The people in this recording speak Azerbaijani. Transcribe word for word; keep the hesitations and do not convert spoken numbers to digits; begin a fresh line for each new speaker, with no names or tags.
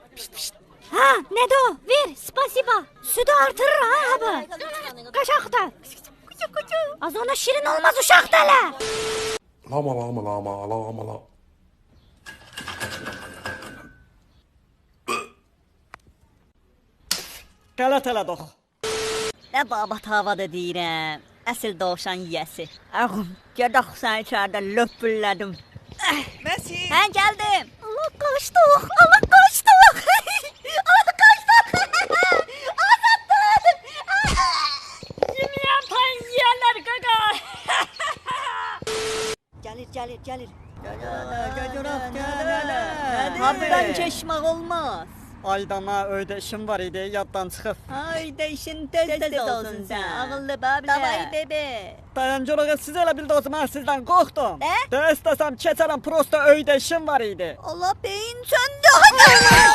Ha, ne de o? Ver, spasiba. Sütü artırır ha abi. Kaşakta. Az ona şirin olmaz uşakta la.
Lama lama lama lama lama.
Qalataladoq.
Nə babat havada deyirəm. Əsl dovşan yiyəsi. Ağım, gedək sən içəridə löpüllədim.
Məsi.
Hə, gəldim. Allah qaçdıq, Allah qaçdıq. Allah qaçdıq. Azaddır. Yemeyen pan yiyərlər qaqa. Gəlir, gəlir, gəlir.
Gəcərək gəlir.
Habdan keçmək olmaz.
Aydana öydə işim var idi, yaddan çıxıb.
Hayda işin tez-tez olsun sən. Ağıllı babilə. Davay bebe.
Dayancılığı siz elə bildi o zaman sizdən qorxdum.
Nə?
De istəsəm keçərəm, prosta öydə işim var idi.
Allah beyin söndü.